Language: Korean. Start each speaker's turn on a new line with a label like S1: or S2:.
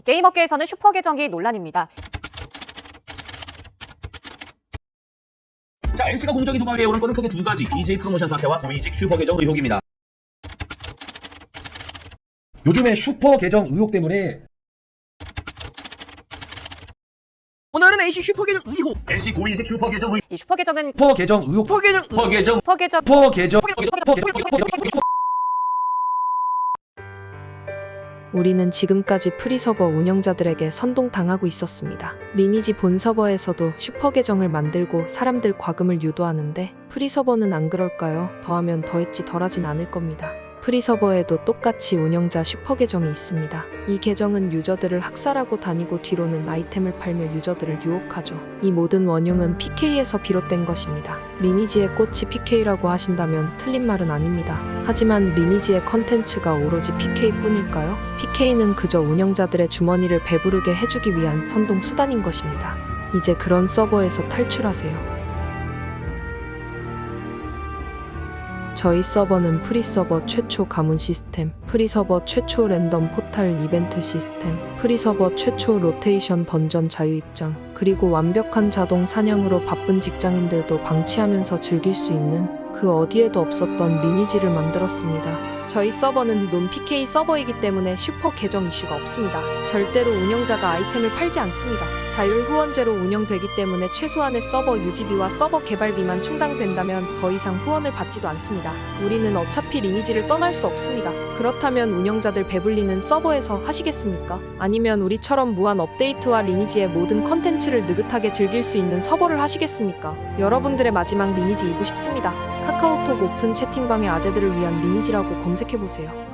S1: 게임업계에서는 슈퍼 계정이 논란입니다.
S2: 자, NC가 공정위 도박에 오른 거는 크게 두 가지. BJ 프로모션 사태와 고위직 슈퍼 계정 의혹입니다.
S3: 요즘에 슈퍼 계정 의혹 때문에
S4: 오늘은 NC 슈퍼 계정 의혹.
S2: NC 고위직 슈퍼 계정 의혹.
S1: 이 슈퍼 계정은
S3: 슈퍼 계정 의혹
S4: 슈퍼 계정
S2: 슈퍼 계정
S1: 슈퍼 계정
S3: 슈퍼 계정
S5: 우리는 지금까지 프리서버 운영자들에게 선동당하고 있었습니다. 리니지 본 서버에서도 슈퍼 계정을 만들고 사람들 과금을 유도하는데 프리서버는 안 그럴까요? 더하면 더했지 덜하진 않을 겁니다. 프리서버에도 똑같이 운영자 슈퍼 계정이 있습니다. 이 계정은 유저들을 학살하고 다니고 뒤로는 아이템을 팔며 유저들을 유혹하죠. 이 모든 원흉은 PK에서 비롯된 것입니다. 리니지의 꽃이 PK라고 하신다면 틀린 말은 아닙니다. 하지만 리니지의 컨텐츠가 오로지 PK뿐일까요? PK는 그저 운영자들의 주머니를 배부르게 해주기 위한 선동 수단인 것입니다. 이제 그런 서버에서 탈출하세요. 저희 서버는 프리서버 최초 가문 시스템, 프리서버 최초 랜덤 포탈 이벤트 시스템, 프리서버 최초 로테이션 던전 자유 입장, 그리고 완벽한 자동 사냥으로 바쁜 직장인들도 방치하면서 즐길 수 있는 그 어디에도 없었던 리니지를 만들었습니다. 저희 서버는 논 PK 서버이기 때문에 슈퍼 계정 이슈가 없습니다. 절대로 운영자가 아이템을 팔지 않습니다. 자율 후원제로 운영되기 때문에 최소한의 서버 유지비와 서버 개발비만 충당된다면 더 이상 후원을 받지도 않습니다. 우리는 어차피 리니지를 떠날 수 없습니다. 그렇다면 운영자들 배불리는 서버에서 하시겠습니까? 아니면 우리처럼 무한 업데이트와 리니지의 모든 컨텐츠를 느긋하게 즐길 수 있는 서버를 하시겠습니까? 여러분들의 마지막 리니지이고 싶습니다. 카카오톡 오픈 채팅방의 아재들을 위한 리니지라고 검색해보세요.